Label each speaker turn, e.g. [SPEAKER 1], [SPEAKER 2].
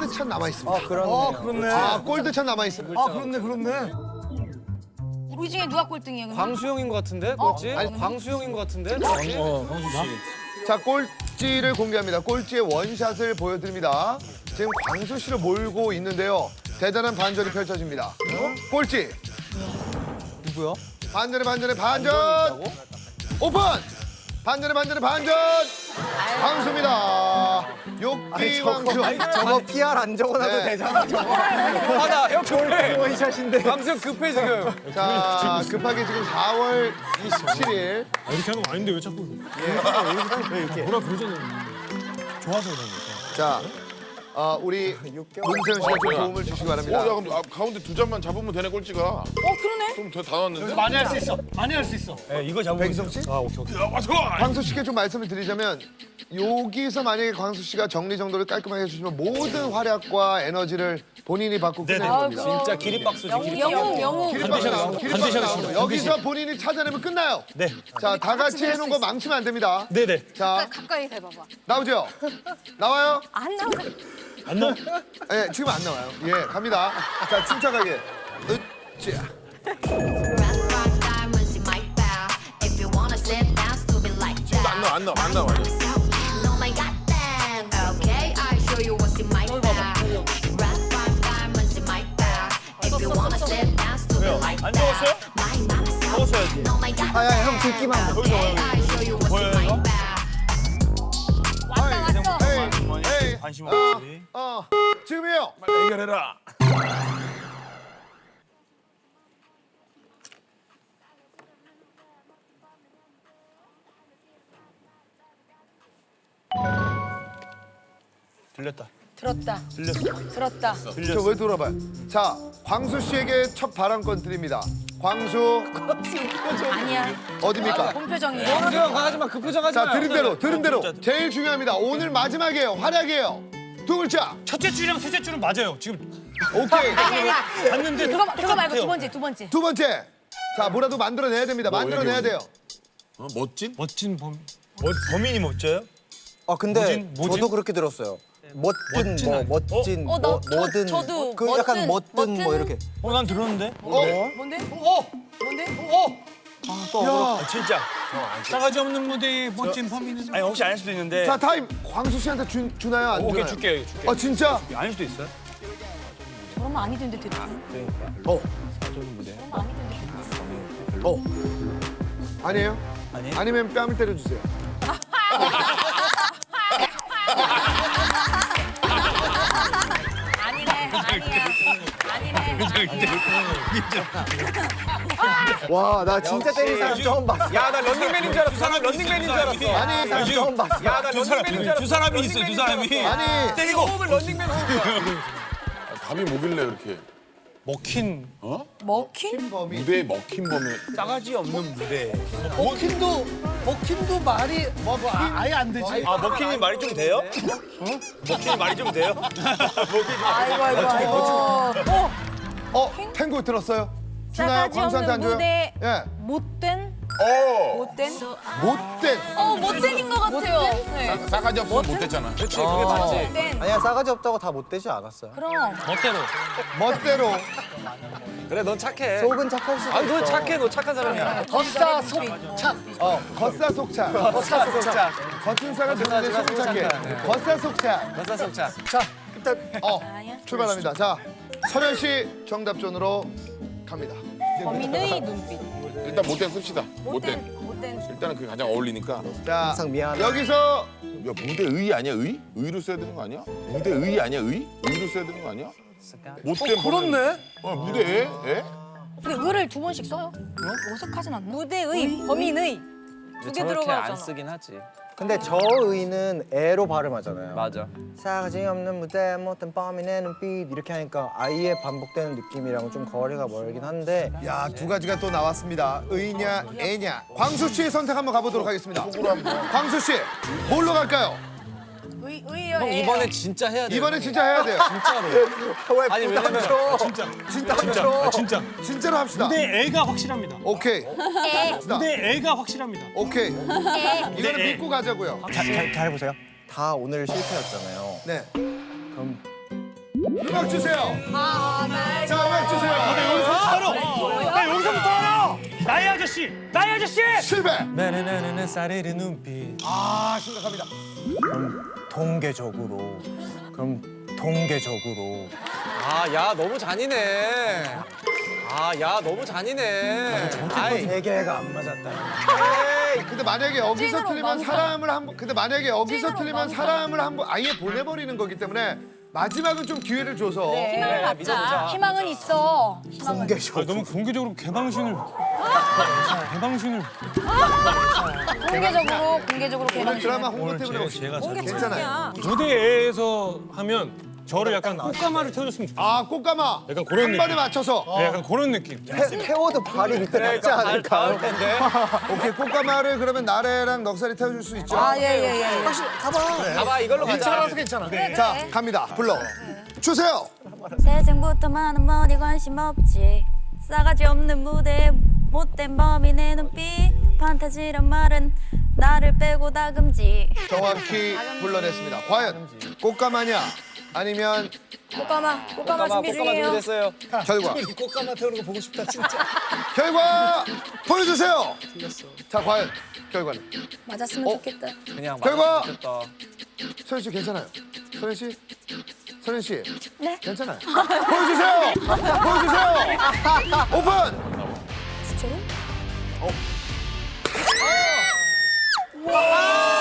[SPEAKER 1] 골드찬 남아 있습니다.
[SPEAKER 2] 그렇네.
[SPEAKER 1] 아, 골드찬 남아 있습니다.
[SPEAKER 2] 그렇네.
[SPEAKER 3] 우리 중에 누가 꼴등이야? 근데?
[SPEAKER 4] 광수형인 것 같은데? 꼴찌?
[SPEAKER 1] 아니,
[SPEAKER 4] 광수형인 것 같은데? 꼴찌?
[SPEAKER 2] 광수 씨.
[SPEAKER 1] 자, 꼴찌를 공개합니다. 꼴찌의 원샷을 보여드립니다. 지금 광수 씨를 몰고 있는데요. 대단한 반전이 펼쳐집니다. 꼴찌.
[SPEAKER 4] 누구야?
[SPEAKER 1] 반전의 반전. 오픈. 반전. 광수입니다. 욕기 광수.
[SPEAKER 5] 저거 PR 안 적어놔도
[SPEAKER 1] 네.
[SPEAKER 5] 되잖아. 저거.
[SPEAKER 4] 하나, 형 급해.
[SPEAKER 5] 원샷인데.
[SPEAKER 4] 광수형 급해 지금.
[SPEAKER 1] 자, 급하게 지금 4월 27일.
[SPEAKER 2] 이렇게 하는 거 아닌데 왜 자꾸
[SPEAKER 5] 이렇게.
[SPEAKER 2] 뭐라 그러잖아요. 좋아서 그런 거죠.
[SPEAKER 1] 자, 우리 문세윤 씨가 좀 도움을 주시기 바랍니다.
[SPEAKER 6] 야 그럼 가운데 두 잔만 잡으면 되네 꼴찌가.
[SPEAKER 3] 그러네.
[SPEAKER 6] 그럼 다 나왔는데?
[SPEAKER 2] 많이 할 수 있어. 많이 할 수 있어. 네, 이거 잡으면.
[SPEAKER 1] 백희성 씨?
[SPEAKER 2] 아, 오케이.
[SPEAKER 6] 야 와서.
[SPEAKER 1] 광수 씨께 좀 말씀을 드리자면 여기서 만약에 광수 씨가 정리정돈을 깔끔하게 해주시면 모든 활약과 에너지를 본인이 받고 끝내는 겁니다.
[SPEAKER 4] 진짜 기립박수지.
[SPEAKER 3] 영웅.
[SPEAKER 1] 기립박수 나오고 여기서 본인이 찾아내면 끝나요.
[SPEAKER 2] 네.
[SPEAKER 1] 자, 다 같이 해놓은 거 망치면 안 됩니다.
[SPEAKER 2] 네네.
[SPEAKER 1] 자,
[SPEAKER 3] 가까이 대봐봐.
[SPEAKER 1] 나오죠? 나와요?
[SPEAKER 3] 안 나와.
[SPEAKER 2] 안 나와.
[SPEAKER 1] 예, 지금 안 나와요. 예, 갑니다. 자, 침착하게. 으쌰.
[SPEAKER 6] 안 나와.
[SPEAKER 2] 안 적었어요? 적었어야지.
[SPEAKER 5] 아야 형 듣기만.
[SPEAKER 2] 보여요 이거?
[SPEAKER 3] 왔어.
[SPEAKER 1] 에이,
[SPEAKER 2] 관심 없지.
[SPEAKER 1] 지금이요.
[SPEAKER 6] 해결해라.
[SPEAKER 2] 들렸다.
[SPEAKER 3] 들었다.
[SPEAKER 2] 들렸어.
[SPEAKER 3] 들었다.
[SPEAKER 1] 저 왜 돌아봐요? 자, 광수 씨에게 첫 발언권 드립니다. 광수
[SPEAKER 3] 아니야.
[SPEAKER 1] 어디입니까?
[SPEAKER 3] 본표정이야.
[SPEAKER 4] 광수형 강하지 마. 그 표정 하지 마.
[SPEAKER 1] 자, 들은 대로. 제일 중요합니다. 오늘 마지막이에요. 활약이에요. 두 글자.
[SPEAKER 2] 첫째 줄이랑 셋째 줄은 맞아요. 지금
[SPEAKER 1] 오케이.
[SPEAKER 3] 아니야.
[SPEAKER 2] 봤는데
[SPEAKER 3] 그거 말고 두 번째.
[SPEAKER 1] 두 번째. 자, 뭐라도 만들어내야 됩니다. 만들어내야 돼요.
[SPEAKER 6] 멋진?
[SPEAKER 2] 멋진 범인이 멋져요?
[SPEAKER 5] 아 근데
[SPEAKER 2] 뭐진?
[SPEAKER 5] 저도 그렇게 들었어요. 멋진 뭐 멋진 뭐든
[SPEAKER 3] 저도
[SPEAKER 5] 그 약간 멋든 뭐 이렇게.
[SPEAKER 2] 난 들었는데.
[SPEAKER 3] 뭔데?
[SPEAKER 2] 진짜. 싸가지 없는 무대에 멋진 범인은. 아니 혹시 아닐 수도 있는데.
[SPEAKER 1] 자, 타임. 광수 씨한테 주나요? 안
[SPEAKER 2] 오케이
[SPEAKER 1] 주나요?
[SPEAKER 2] 줄게.
[SPEAKER 1] 아, 진짜?
[SPEAKER 2] 아닐 수도 있어요?
[SPEAKER 3] 저러면 아니던데 대충.
[SPEAKER 1] 아니에요?
[SPEAKER 2] 아니에요?
[SPEAKER 1] 아니면 뺨을 때려주세요.
[SPEAKER 3] 아니네.
[SPEAKER 1] 와, 나
[SPEAKER 5] 진짜 때린 사람 처음 봤어.
[SPEAKER 4] 야, 나 런닝맨인 줄 알았어. 런닝맨인 줄 알았어.
[SPEAKER 1] 아니,
[SPEAKER 5] 사람 처음 봤어.
[SPEAKER 4] 야, 나 런닝맨인 줄 알았어.
[SPEAKER 2] 두 사람이 있어. 두 사람이.
[SPEAKER 1] 아니.
[SPEAKER 4] 때리고 호흡을 런닝맨 호흡.
[SPEAKER 6] 감이 뭐길래 이렇게
[SPEAKER 2] 먹힌
[SPEAKER 3] 먹힌?
[SPEAKER 1] 범이.
[SPEAKER 6] 무대에 먹힌 범이.
[SPEAKER 2] 싸가지 없는 무대.
[SPEAKER 5] 먹힌도 말이 아예 안 되지.
[SPEAKER 2] 아 먹힌이 말이 좀 돼요? 먹힌이 말이 좀 돼요?
[SPEAKER 3] 아이고.
[SPEAKER 1] 탱고 들었어요? 주나요?
[SPEAKER 3] 싸가지
[SPEAKER 1] 광수한테 안
[SPEAKER 3] 없는
[SPEAKER 1] 줘요?
[SPEAKER 3] 무대.
[SPEAKER 1] 예.
[SPEAKER 3] 못된? 못된? 못된인 것 같아요. 네.
[SPEAKER 6] 싸가지 없으면 못됐잖아.
[SPEAKER 4] 그렇지, 그게 맞지.
[SPEAKER 3] 못된.
[SPEAKER 5] 아니야 싸가지 없다고 다 못되지 않았어요.
[SPEAKER 3] 그럼.
[SPEAKER 2] 멋대로.
[SPEAKER 1] 멋대로.
[SPEAKER 4] 그래, 넌 착해.
[SPEAKER 5] 속은 착할 수도 있어.
[SPEAKER 4] 너 착해. 너 착한 사람이야.
[SPEAKER 3] 겉사 속착.
[SPEAKER 1] 겉사속차.
[SPEAKER 4] 겉사속착.
[SPEAKER 1] 겉은 사가 좋은데 속은 착해. 겉사속차.
[SPEAKER 4] 겉사속착.
[SPEAKER 3] 아니야.
[SPEAKER 1] 출발합니다. 자, 설현 씨 정답존으로 갑니다.
[SPEAKER 3] 범인의 눈빛.
[SPEAKER 6] 일단 못된 씁시다. 못된.
[SPEAKER 3] 못된.
[SPEAKER 6] 일단은 그게 가장 어울리니까.
[SPEAKER 1] 자,
[SPEAKER 5] 항상 미안해.
[SPEAKER 1] 여기서
[SPEAKER 6] 야 무대 의 아니야 의? 의로 써야 되는 거 아니야? 무대 의 아니야 의? 의로 써야 되는 거 아니야? 못된
[SPEAKER 1] 그렇네.
[SPEAKER 6] 무대 에?
[SPEAKER 3] 근데 의를 두 번씩 써요. 어색하진 않나? 무대의, 범인의. 두 개
[SPEAKER 4] 저렇게 안
[SPEAKER 3] 들어가잖아.
[SPEAKER 4] 쓰긴 하지.
[SPEAKER 5] 근데 저의는 애로 발음하잖아요.
[SPEAKER 4] 맞아.
[SPEAKER 5] 싸가지 없는 무대 못된 범인의 눈빛 이렇게 하니까 아예 반복되는 느낌이랑 좀 거리가 멀긴 한데
[SPEAKER 1] 야, 두 가지가 또 나왔습니다. 의냐, 애냐. 광수 씨의 선택 한번 가보도록 하겠습니다. 광수 씨, 뭘로 갈까요?
[SPEAKER 3] 의요.
[SPEAKER 4] 형 이번엔 진짜 해야 돼.
[SPEAKER 1] 이번엔 진짜 해야 돼요.
[SPEAKER 5] 왜
[SPEAKER 4] 아니,
[SPEAKER 5] 부담
[SPEAKER 4] 왜냐면
[SPEAKER 5] 줘?
[SPEAKER 2] 진짜. 진짜.
[SPEAKER 1] 진짜로 합시다.
[SPEAKER 2] 내 애가 확실합니다.
[SPEAKER 1] 오케이.
[SPEAKER 2] 내 애가 확실합니다.
[SPEAKER 1] 오케이. 이거는
[SPEAKER 2] 애.
[SPEAKER 1] 믿고 가자고요.
[SPEAKER 5] 잘 보세요. 다 오늘 실패였잖아요.
[SPEAKER 1] 네.
[SPEAKER 5] 그럼
[SPEAKER 1] 음악 주세요. 자, 음악 주세요.
[SPEAKER 2] 나 여기서부터 알아. 나의 아저씨, 나의 아저씨.
[SPEAKER 1] 실패.
[SPEAKER 5] 나나나나 사레르 눈빛.
[SPEAKER 1] 아, 심각합니다.
[SPEAKER 5] 통계적으로.
[SPEAKER 4] 아, 야, 너무 잔인해. 아, 야, 너무 잔인해. 아이,
[SPEAKER 5] 세 개가 안 맞았다.
[SPEAKER 1] 근데 만약에 여기서
[SPEAKER 3] 찐으로
[SPEAKER 1] 틀리면
[SPEAKER 3] 멈춰.
[SPEAKER 1] 사람을 한 번, 근데 만약에 여기서
[SPEAKER 3] 찐으로
[SPEAKER 1] 틀리면
[SPEAKER 3] 멈춰.
[SPEAKER 1] 사람을 한 번 아예 보내버리는 거기 때문에 마지막은 좀 기회를 줘서.
[SPEAKER 3] 희망을 갖자.
[SPEAKER 4] 믿어보자.
[SPEAKER 3] 희망은 있어. 희망은.
[SPEAKER 2] 아, 너무 공개적으로 개방신을. 개방신을.
[SPEAKER 3] 공개적으로
[SPEAKER 1] 오늘
[SPEAKER 3] 개방.
[SPEAKER 1] 드라마 홍보 때문에 오신
[SPEAKER 2] 제가
[SPEAKER 3] 공개
[SPEAKER 1] 괜찮아요.
[SPEAKER 2] 무대에서 하면 저를 약간 꽃가마를 태워줬으면 좋겠어요.
[SPEAKER 1] 아, 꽃가마.
[SPEAKER 2] 약간 그런
[SPEAKER 1] 한 번에
[SPEAKER 2] 느낌.
[SPEAKER 1] 맞춰서.
[SPEAKER 2] 네, 약간 그런 느낌.
[SPEAKER 5] 태워도 발이 밑에 닿지 않을까요?
[SPEAKER 4] 닿을 텐데.
[SPEAKER 1] 오케이, 꽃가마를 그러면 나래랑 넉살이 태워줄 수 있죠.
[SPEAKER 3] 아, 예.
[SPEAKER 4] 가봐, 이걸로 가자.
[SPEAKER 5] 괜찮아.
[SPEAKER 1] 자, 갑니다. 불러. 주세요.
[SPEAKER 7] 세상부터 많은 머리 관심 없지 싸가지 없는 무대에 못된 범인 내 눈빛 판타지란 말은 나를 빼고 다 금지
[SPEAKER 1] 정확히 불러냈습니다. 과연 꽃가마냐 아니면
[SPEAKER 3] 꽃가마 준비 중이에요.
[SPEAKER 4] 준비됐어요.
[SPEAKER 1] 결과.
[SPEAKER 5] 꽃가마 태우는 거 보고 싶다 진짜.
[SPEAKER 1] 결과 보여주세요. 자, 과연 결과는.
[SPEAKER 3] 맞았으면 좋겠다.
[SPEAKER 4] 그냥
[SPEAKER 1] 결과!
[SPEAKER 4] 맞았다.
[SPEAKER 1] 소연 씨 괜찮아요? 소연 씨? 소연 씨?
[SPEAKER 3] 네.
[SPEAKER 1] 괜찮아요. 보여주세요. 보여주세요. 오픈.
[SPEAKER 3] 진짜로?
[SPEAKER 1] 와!